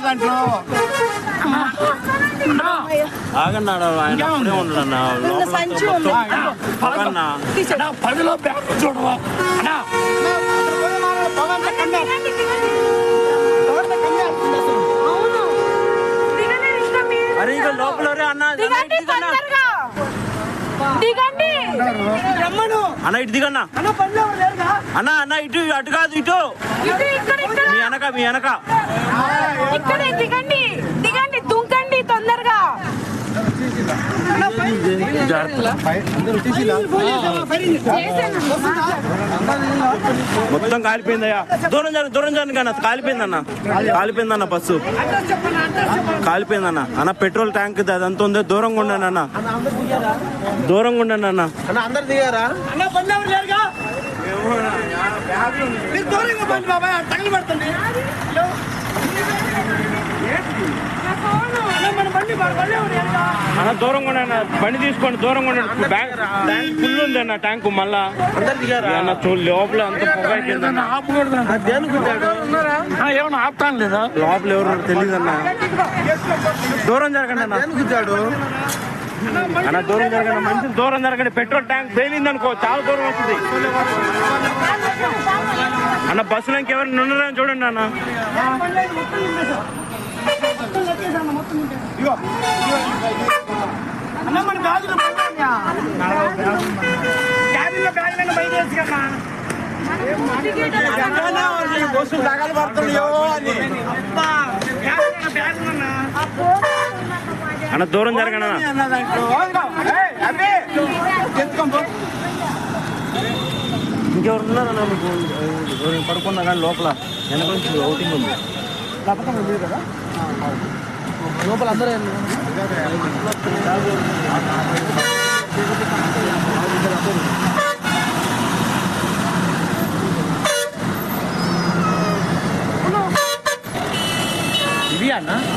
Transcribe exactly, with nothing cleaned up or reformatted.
దాంట్లో. ఆగన్నాడు ఆయన అప్పుడే ఉండడన్నా పదిలో బ్యాగ్ చూడవా అరే ఇక లోపల అన్న అన్న ఇటు దిగన్నా అన్న అన్న ఇటు అటు కాదు ఇటు మీ వెనక మీ వెనక దిగండి దిగండి దుంకండి తొందరగా. మొత్తం కాలిపోయిందయ్యా. దూరం జరగ దూరం జరగ కన్నా కాలిపోయిందన్న కాలిపోయిందన్న బస్సు కాలిపోయిందన్న. అన్న పెట్రోల్ ట్యాంక్ అదంతా ఉందో దూరంగా ఉండండి అన్న దూరంగా ఉండండి అన్న. అందరు దిగారా? అన్న దూరంగా ఉండండి బండి తీసుకోండి దూరంగా ఉండండి. బ్యాంక్ ట్యాంక్ ఫుల్ ఉంది అన్న ట్యాంకు మళ్ళా అన్న చూడు లోపల అంత పొగ అయిపోయిందన్న. ఏమన్నా ఆపుతాను లేదా లోపల ఎవరు తెలియదు అన్న. దూరం జరగండి అన్న అన్న దూరం జరగండి మంచి దూరం జరగండి. పెట్రోల్ ట్యాంక్ పేలింది అనుకో చాలా దూరం వస్తుంది అన్న. బస్సులో ఇంకెవరు ఉన్నారని చూడండి అన్న. బస్సులు తగలు పడుతున్నాయో అని అన్న దూరం జరగండి అన్న. ఇంకెవరు ఉన్నారన్నా మీకు పడుకున్నా కానీ లోపల వెనక నుంచి అవుటింగ్ ఉంది లోపల అందరూ ఇవి అన్న